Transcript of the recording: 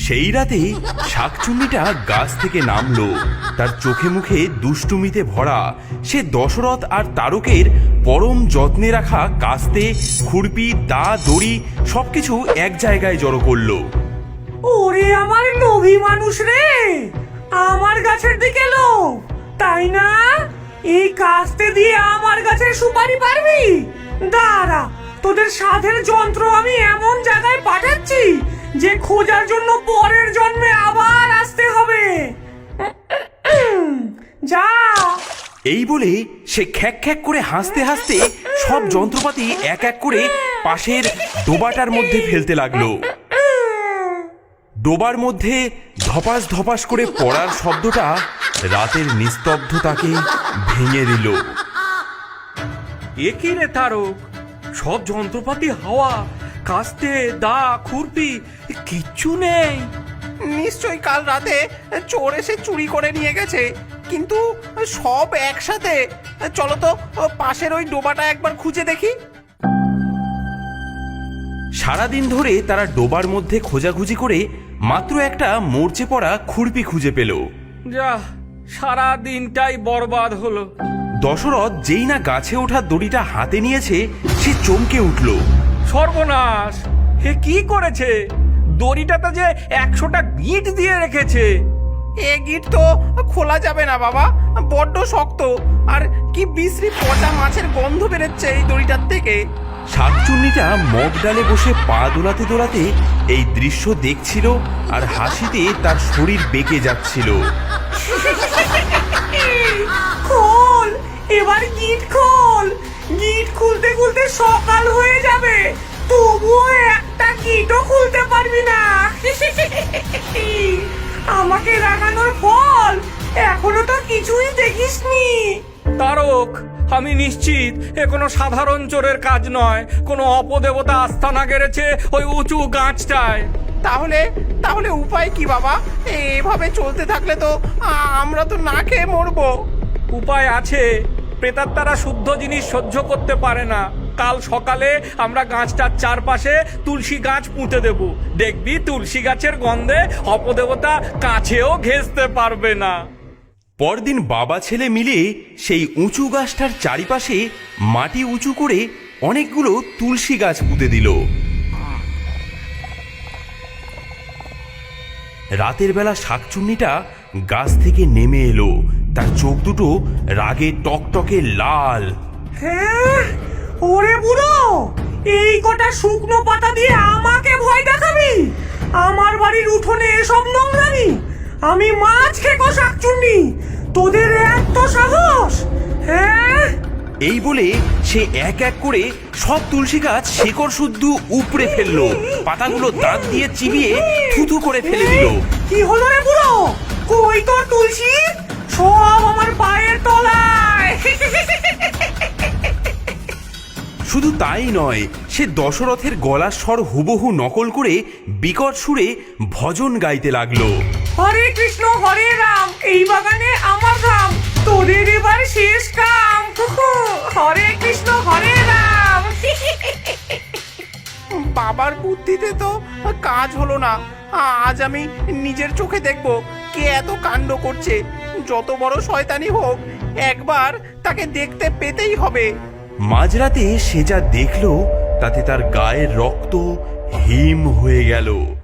সেই রাতে শাকচুন্নিটা গাছ থেকে নামলো। তার চোখে মুখে দুষ্টুমিতে ভরা। সে দশরথ আর তারকের পরম যত্নে রাখা কাস্তে, খুরপি, দা, দড়ি সবকিছু এক জায়গায় জড়ো করলো। ওরে আমার লোভী মানুষ রে, আমার গাছের দিকে লোভ, তাই না? এই কাস্তে দিয়ে আমার গাছের সুপারি পারবি? দাঁড়া, তোদের সাধের যন্ত্র আমি এমন জায়গায় পাঠাচ্ছি যে খোঁজার জন্য পরের জন্মে আবার আসতে হবে। যা। এই বলে সে খ্যাক খ্যাক করে হাসতে হাসতে সব যন্ত্রপাতি এক এক করে পাশের ডোবাটার মধ্যে ফেলতে লাগলো। ডোবার মধ্যে ধপাস ধপাস করে পড়ার শব্দটা রাতের নিস্তব্ধতাকে ভেঙে দিল। এ কি রে তারক, সব যন্ত্রপাতি হাওয়া, কাস্তে, দা, খুরপি কিচ্ছু নেই। নিশ্চয়ই কাল রাতে চোর এসে চুরি করে নিয়ে গেছে, কিন্তু সব একসাথে। চলো তো পাশের ওই ডোবাটা একবার খুঁজে দেখি। সারাদিন ধরে তারা ডোবার মধ্যে খোঁজাখুঁজি করে মাত্র একটা মরচে পড়া খুরপি খুঁজে পেল। যা, সারা দিনটাই বরবাদ হলো। দশরথ যেই না গাছে ওঠা দড়িটা হাতে নিয়েছে, সে চমকে উঠল। সর্বনাশ! হে কি করেছে? দড়িটাতে যে 100টা গিঁট দিয়ে রেখেছে। এ গিট তো খোলা যাবে না বাবা, বড্ড শক্ত, আর কি বিশ্রী পচা মাছের গন্ধ বেরোচ্ছে এই দড়িটার থেকে। শাকচুন্নিটা মগ ডালে বসে পা দোলাতে দোলাতে এই দৃশ্য দেখছিল, আর হাসিতে তার শরীর বেঁকে যাচ্ছিল। খোল, এবার গিট খোল। গিট খুলতে খুলতে সকাল হয়ে যাবে, তবুও একটা গিটও খুলতে পারবি না। আমাকে রাগানোর ফল এখনো তো কিছুই দেখিসনি। তারক, আমি নিশ্চিত এ কোনো সাধারণ চোরের কাজ নয়। কোনো অপদেবতা আস্তানা গেড়েছে ওই উঁচু গাছটায়। তাহলে তাহলে উপায় কি বাবা? এভাবে চলতে থাকলে তো আমরা তো না খেয়ে মরবো। উপায় আছে। প্রেতাত্মারা শুদ্ধ জিনিস সহ্য করতে পারে না। কাল সকালে আমরা গাছটার চারপাশে তুলসী গাছ পুঁতে দেব। দেখবি তুলসী গাছের গন্ধে অপদেবতা কাছেও ঘেঁষতে পারবে না। পরদিন বাবা ছেলে মিলে সেই উঁচু গাছটার চারিপাশে মাটি উঁচু করে অনেকগুলো তুলসী গাছ পুঁতে দিল। রাতের বেলা শাকচুন্নিটা গাছ থেকে নেমে এলো। তার চোখ দুটো রাগে টকটকে লাল। হ্যাঁ, ওরে বুড়ো, এই কটা শুকনো পাতা দিয়ে আমাকে ভয় দেখাবি? আমার বাড়ির উঠোনে এসব নোংরামি? আমি মাছ খেকো শাকচুন্নি, তোদের এত সাহস? হ্যাঁ। এই বলে সে এক এক করে সব তুলসী গাছ শেকড় শুদ্ধ উপড়ে ফেললো। পাতাগুলো দাঁত দিয়ে চিবিয়ে থুথু করে ফেলে দিল। কি হলো রে বুড়ো? কই তোর তুলসী? সব আমার পায়ের তলায়। শুধু তাই নয়, সে দশরথের গলার স্বর হুবহু নকল করে বিকট সুরে ভজন গাইতে লাগলো। হরে কৃষ্ণ হরে রাম, এই বাগানে আমার ধাম, তোদের এবার শেষ কাম। হরে কৃষ্ণ হরে রাম। বাবার বুদ্ধিতে তো কাজ হলো না। আজ আমি নিজের চোখে দেখবো কে এত কাণ্ড করছে। যত বড় শয়তানি হোক, একবার তাকে দেখতে পেতেই হবে। মাঝরাতে সে যা দেখল তাতে তার গায়ের রক্ত হিম হয়ে গেল।